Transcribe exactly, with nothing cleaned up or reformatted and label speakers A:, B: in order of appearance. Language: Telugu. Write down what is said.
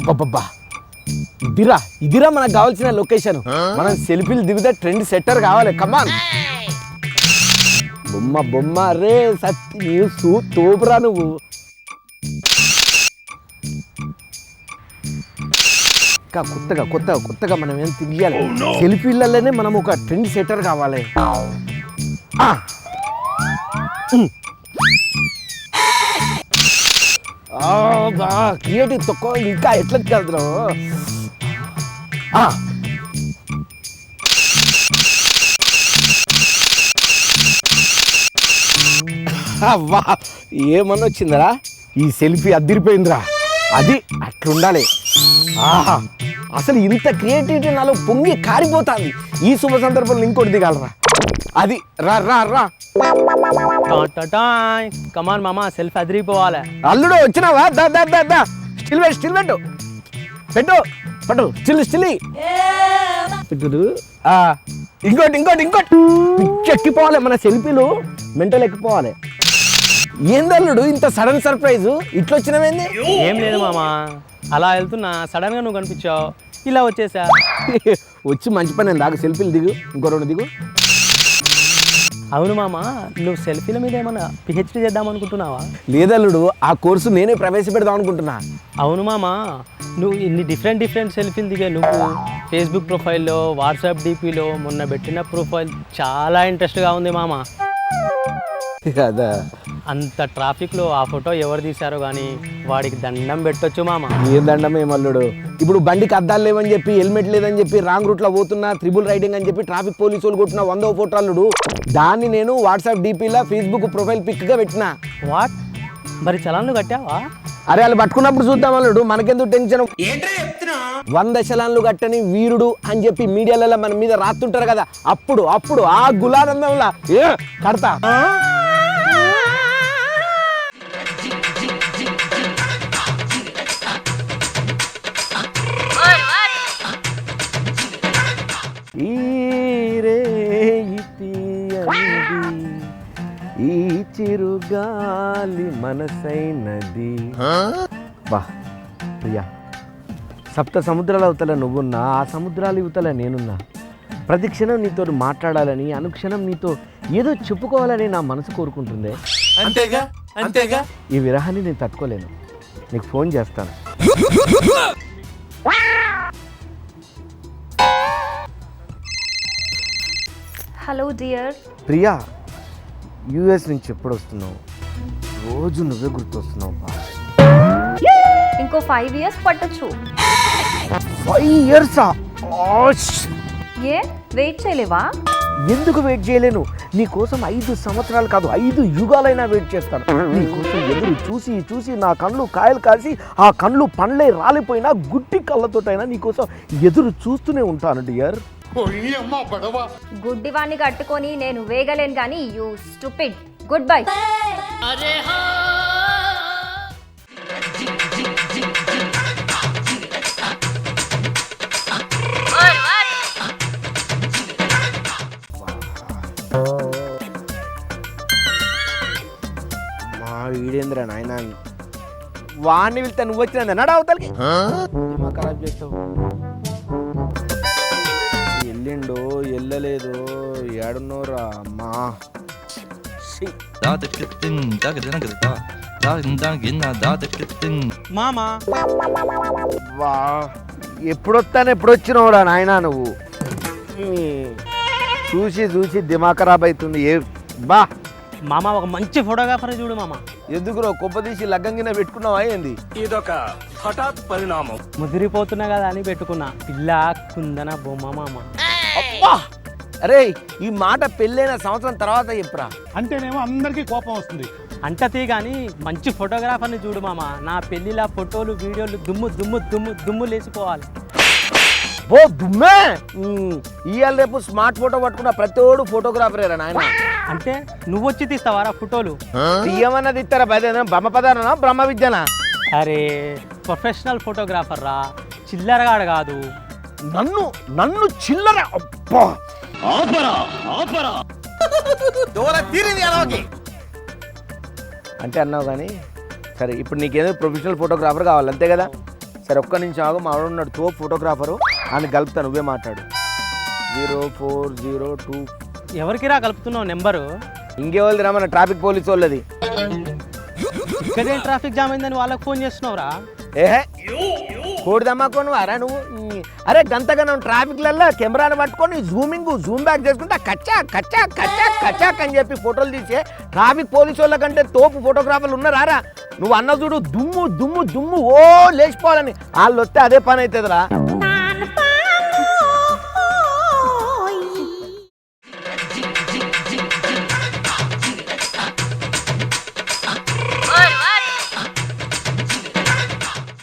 A: అబ్బబ్బబ్బా ఇదిరా ఇదిరా మనకు కావాల్సిన లొకేషన్. మనం సెల్ఫీలు దిగితే ట్రెండ్ సెట్టర్ కావాలి. కమాన్ బొమ్మ బొమ్మ రే సత్య తోపురా నువ్వు. కొత్తగా కొత్తగా కొత్తగా మనం ఏం తిరిగాలి. సెల్ఫీలలోనే మనం ఒక ట్రెండ్ సెట్టర్ కావాలి. క్రియేటివ్ తక్కువ ఇంకా ఎట్లా వెళ్తున్నావు. వా ఏమన్నా వచ్చిందరా ఈ సెల్ఫీ అదిరిపోయిందిరా. అది అట్లుండాలి. ఆహా అసలు ఇంత క్రియేటివిటీ నాలో పొంగి కారిపోతుంది. ఈ శుభ సందర్భంలో ఇంకోటి దిగాలరా. అది రా రా రా
B: కమాన్ మామా సెల్ఫీ అదిరిపోవాలి.
A: అల్లుడు వచ్చినావా? దా దా దా దా స్టిల్ పెట్టు స్టిల్ పెట్టు పెట్టు పట్టు స్టిల్ స్టిల్ పెట్టు. ఇంకోటి ఇంకోటి ఇంకోటి ఎక్కిపోవాలి. మన సెల్ఫీలు మెంటల్ ఎక్కిపోవాలి. ఏందల్లుడు ఇంత సడన్ సర్ప్రైజ్ ఇట్లా వచ్చినవేంది?
B: ఏం లేదు మామా, అలా వెళ్తున్నా సడన్ గా నువ్వు కనిపించావు, ఇలా వచ్చేసా.
A: వచ్చి మంచి పని దాకా సెల్ఫీలు దిగు. ఇంకో రెండు దిగు.
B: అవును మామా, నువ్వు సెల్ఫీల మీద ఏమన్నా పిహెచ్డీ చేద్దాం అనుకుంటున్నావా?
A: లేదల్లుడు, ఆ కోర్సు నేనే ప్రవేశపెడదాం అనుకుంటున్నా.
B: అవును మామా, నువ్వు ఇన్ని డిఫరెంట్ డిఫరెంట్ సెల్ఫీలు దిగా నువ్వు ఫేస్బుక్ ప్రొఫైల్లో, వాట్సాప్ డీపీలో మొన్న పెట్టిన ప్రొఫైల్ చాలా ఇంట్రెస్ట్గా ఉంది మామా.
A: కదా
B: అంత ట్రాఫిక్లో ఆ ఫోటో ఎవరు తీశారో కానీ వాడికి దండం పెట్టొచ్చు మామ.
A: ఏ దండమే మల్లుడు. ఇప్పుడు బండికి అద్దాలు లేవని చెప్పి, హెల్మెట్ లేదని చెప్పి, రాంగ్ రూట్లో పోతున్నా, త్రిబుల్ రైడింగ్ అని చెప్పి ట్రాఫిక్ పోలీసు వాళ్ళు కొట్టిన వందో ఫోటో అల్లుడు. దాన్ని నేను వాట్సాప్ డీపీలో ఫేస్బుక్ ప్రొఫైల్ పిక్గా పెట్టినా.
B: వాట్ మరి చలాన్లు కట్టావా?
A: అరే వాళ్ళు పట్టుకున్నప్పుడు చూద్దాం అల్లుడు, మనకెందుకు టెన్షన్. వంద చలాన్లు కట్టని వీరుడు అని చెప్పి మీడియాలలో మన మీద రాస్తుంటారు కదా, అప్పుడు అప్పుడు ఆ గులానందంలా ఏ కడతా. ఈ చిరుగాలి మనసైనది. బా ప్రియా, సప్త సముద్రాల అవతల నువ్వున్నా, ఆ సముద్రాల యువతల నేనున్నా. ప్రతి క్షణం నీతో మాట్లాడాలని, అనుక్షణం నీతో ఏదో చెప్పుకోవాలని నా మనసు కోరుకుంటుందే.
C: అంతేగా అంతేగా
A: ఈ విరహాన్ని నేను తట్టుకోలేను. నీకు ఫోన్ చేస్తాను.
D: Hello dear.
A: ప్రియా, యూఎస్ నుంచి ఎప్పుడు వస్తున్నావు? రోజు నువ్వే గుర్తొస్తున్నావు.
D: ఇంకో ఫైవ్ ఇయర్స్ పట్టొచ్చు.
A: ఫైవ్ ఇయర్సా?
D: ఏ వెయిట్ చేయలేవా?
A: ఎందుకు వెయిట్ చేయలేను? నీ కోసం ఐదు సంవత్సరాలు కాదు, ఐదు యుగాలైనా వెయిట్ చేస్తాను. నీ కోసం ఎదురు చూసి చూసి నా కళ్ళు కాయలు కాసి, ఆ కళ్ళు పండ్లే రాలిపోయినా గుడ్డి కళ్ళతోటైనా నీ కోసం ఎదురు చూస్తూనే ఉంటాను డియర్.
D: గుడ్డివాణ్ణి కట్టుకొని నేను వేగలేను కానీ యూ స్టూపిడ్. Good bye.
A: మా వీడేంద్ర నాయన, వాడిని వెళ్తే నువ్వు వచ్చిన నడ అవతలకి ఖరాబ్ చేస్తావు. ఎల్లిండో ఎల్లలేదు, ఏడున్నోరా అమ్మా.
B: మామా
A: వా ఎప్పుడొస్తాను ఎప్పుడు వచ్చినావురా నాయనా నువ్వు. చూసి చూసి దిమాగ్ ఖరాబ్ అవుతుంది. ఏ బా
B: మామ, ఒక మంచి ఫోటోగ్రాఫర్ చూడు మామ.
A: ఎందుకురో కొబ్బదీసి లగ్గంగిన పెట్టుకున్నావా ఏంది?
C: ఇదొక హఠాత్ పరిణామం.
B: ముదిరిపోతున్నా కదా అని పెట్టుకున్నా. పిల్ల కుందన బొమ్మ మామ.
A: అబ్బా అరే, ఈ మాట పెళ్ళైన సంవత్సరం తర్వాత చెప్పురా.
E: అంటేనేమో అందరికీ కోపం వస్తుంది.
B: అంటతీ కానీ మంచి ఫోటోగ్రాఫర్ని చూడు మామ. నా పెళ్ళిలా ఫోటోలు వీడియోలు దుమ్ము దుమ్ము దుమ్ము దుమ్ము లేచిపోవాలి.
A: ఓ దుమ్మే, ఇవాళ రేపు స్మార్ట్ ఫోటో పట్టుకున్న ప్రతిోడు ఫోటోగ్రాఫరేరా నాయన.
B: అంటే నువ్వు వచ్చి తీస్తావారా ఫోటోలు?
A: తీయమన్నది ఇస్తారా? బ్రహ్మ పదార్థనా బ్రహ్మ విద్యనా?
B: అరే ప్రొఫెషనల్ ఫోటోగ్రాఫర్ రా, చిల్లరగాడు కాదు.
A: నన్ను నన్ను చిల్లర అబ్బా అంటే అన్నావు కానీ సరే. ఇప్పుడు నీకేదో ప్రొఫెషనల్ ఫోటోగ్రాఫర్ కావాలి అంతే కదా? సరే ఒక్క నిమిషం ఆగు, మా వాడు ఉన్నాడు తో ఫోటోగ్రాఫరు, అని కలుపుతా, నువ్వే మాట్లాడు. జీరో ఫోర్ జీరో టూ
B: ఎవరికి రా కలుపుతున్నావు నెంబరు?
A: ఇంకేవాళ్ళది రా, మన ట్రాఫిక్ పోలీసు వాళ్ళది.
B: ఇక్కడే ట్రాఫిక్ జామ్ అయిందని వాళ్ళకి ఫోన్ చేస్తున్నావురా?
A: ఏహే కోడి దమ్మాకోను వారా నువ్వు? అరే గంతగా నువ్వు ట్రాఫిక్లలో కెమెరాను పట్టుకొని జూమింగ్ జూమ్ బ్యాక్ చేసుకుంటా కచ్చా కచ్చా కచ్చా కచ్చాక్ అని చెప్పి ఫోటోలు తీసే ట్రాఫిక్ పోలీసు వాళ్ళ కంటే తోపు ఫోటోగ్రాఫర్లు ఉన్నారా? నువ్వు అన్న చూడు దుమ్ము దుమ్ము దుమ్ము ఓ లేచిపోవాలని, వాళ్ళు వస్తే అదే పని అవుతుందిరా.